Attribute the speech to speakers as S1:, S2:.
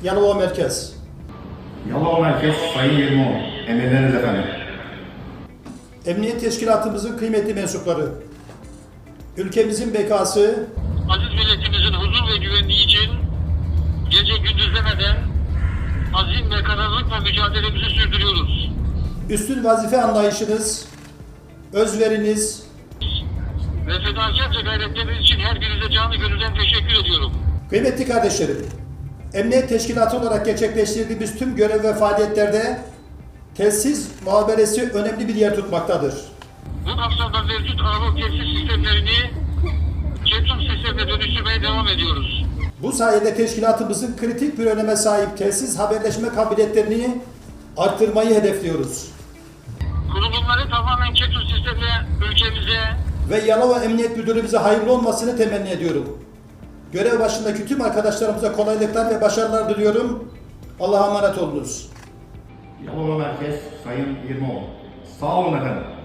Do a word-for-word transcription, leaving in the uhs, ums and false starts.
S1: Yalova Merkez.
S2: Yalova Merkez Sayın Yirmioğlu. Emirleriniz efendim.
S1: Emniyet Teşkilatımızın kıymetli mensupları. Ülkemizin bekası,
S3: Aziz milletimizin huzur ve güvenliği için gece gündüz demeden azim ve kararlılıkla mücadelemizi sürdürüyoruz.
S1: üstün vazife anlayışınız, özveriniz,
S3: Ve fedakarca gayretleriniz için her birinize canı gönülden teşekkür ediyorum.
S1: kıymetli kardeşlerim, Emniyet Teşkilatı olarak gerçekleştirdiğimiz tüm görev ve faaliyetlerde telsiz muhaberesi önemli bir yer tutmaktadır.
S3: Bu kapsamda mevcut analog telsiz sistemlerini Çetum sistemine dönüştürmeye devam ediyoruz.
S1: Bu sayede teşkilatımızın kritik bir öneme sahip telsiz haberleşme kabiliyetlerini arttırmayı hedefliyoruz.
S3: Kurulumları tamamen Çetum sistemine ülkemize
S1: Ve Yalova Emniyet Müdürümüze hayırlı olmasını temenni ediyorum. Görev başındaki tüm arkadaşlarımıza kolaylıklar ve başarılar diliyorum. Allah'a emanet olunuz.
S2: Yalova Merkez Sayın Yirmioğlu. Sağ olun efendim.